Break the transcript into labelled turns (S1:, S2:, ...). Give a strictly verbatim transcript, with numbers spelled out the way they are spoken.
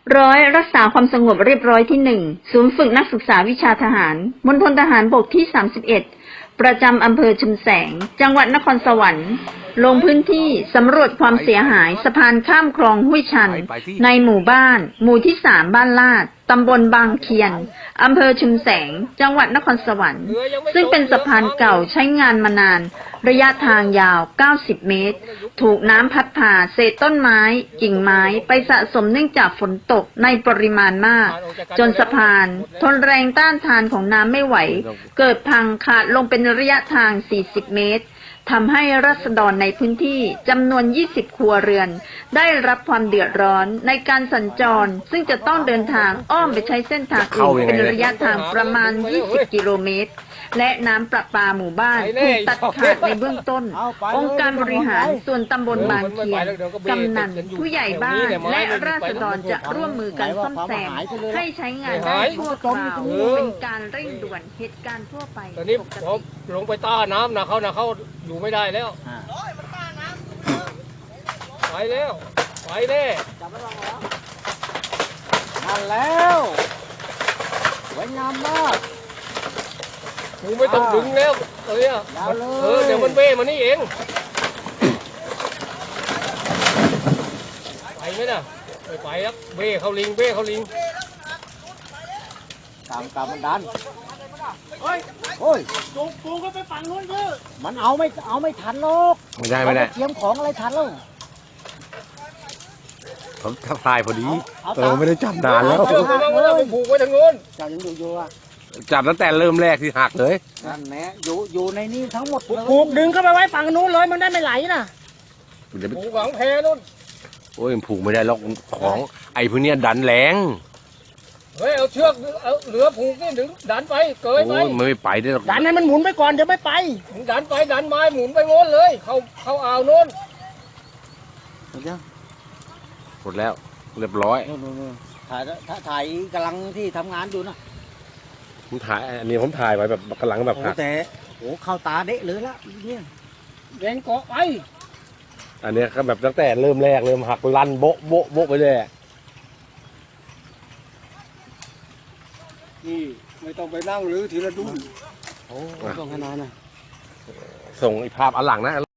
S1: ร้อยรักษาความสงบเรียบร้อยที่หนึ่งศูนย์ฝึกนักศึกษาวิชาทหารมณฑลทหารบกที่สามสิบเอ็ดประจำอำเภอชุมแสงจังหวัดนครสวรรค์ลงพื้นที่สำรวจความเสียหายสะพานข้ามคลองห้วยชันในหมู่บ้านหมู่ที่สามบ้านลาดตำบลบางเคียนอำเภอชุมแสงจังหวัดนครสวรรค์ซึ่งเป็นสะพานเก่าใช้งานมานานระยะทางยาวเก้าสิบเมตรถูกน้ำพัดพาเศษต้นไม้กิ่งไม้ไปสะสมเนื่องจากฝนตกในปริมาณมากจนสะพานทนแรงต้านทานของน้ำไม่ไหวเกิดพังขาดลงเป็นระยะทางสี่สิบเมตรทำให้ราษฎรในพื้นที่จำนวนยี่สิบครัวเรือนได้รับความเดือดร้อนในการสัญจรซึ่งจะต้องเดินทางอ้อมไปใช้เส้นทางอื่นเป็นระยะทางประมาณยี่สิบกิโลเมตรและน้ำประปาหมู่บ้านถูกตัดขาดในเบื้องต้นองค์การบริหารส่วนตำบลบางเคียนกำนันผู้ใหญ่บ้านและราษฎรจะร่วมมือกันซ่อมแซมให้ใช้งานได้ชั่วคราวเป็นการเร่งด่วนเหตุการณ์ทั่วไป
S2: ตอนนี้ผมลงไปต้าน้ำนะเขานะเขาอยู่ไม่ได้แล้วไปแล้วไปแน่
S3: นั่นแล้วสวยงามมาก
S2: กูไม่ต้องดึงแล้วเออเออเดี๋ยวมันเบ้มานี่เองไปไหมน่ะไปไปแล้วเบ้เขาลิงเบ้เขาลิง
S3: ตามตามมันดันโอ้ยโอ้ยจูงจูงก็ไปฝั่งนู้นเยอะมันเอาไม่เอาไม่ทันหรอก
S4: ไม่ได้ไม่ได้
S3: เตรียมของอะไรทันแล้ว
S4: ผมทักทายพอดีเออไม่ได้จับนานแล้ว
S2: ผูกไว้ทางโน้น
S3: จับยังอยู่อยู่อ่ะ
S4: จับตั้งแต่เริ่มแรกที่หักเลย
S3: นั่นแหละอยู่อยู่ในนี้ทั้งหมด
S5: ผูกดึงเข้าไปไว้ฝั่งนู้นเลยมันได้ไม่ไหลนะ
S2: ผูกหวังแพนู้น
S4: โอ้ยผูกไม่ได้หรอกของไอ้พวกนี้ดันแรง
S2: เฮ้ยเอาเชือกเอาเหลือผูกนี่ดึงดันไปเกยไป
S4: ไม่ไปได้หรอก
S5: ดันให้มันหมุนไปก่อนเดี๋ยวไม่ไป
S2: ดันไปดันไม้หมุนไปโน้นเลยเขาเขาอ่าวโน้น
S3: หมดยัง
S4: หมดแล้วเรียบร้อย
S3: ถ่ายถ่ายกำลังที่ทำงานอยู่นะ
S4: ผมถ่ายอันนี้ผมถ่ายไว้แบบกำลังแบบหัก
S3: แต่โอ้เข้าตาเดะเลยละเนี่ย
S2: แดงเกาะไป
S4: อันนี้ก็แบบตั้งแต่เริ่มแรกเริ่มหักลั่นโบ๊ะโบ๊ะโบ๊ะไปเลย
S2: นี่ไม่ต้องไปนั่งหรือทีละดุ้น
S3: โอ้ต้องขนาดน่ะ
S4: ส่งอีกภาพอันหลังนะ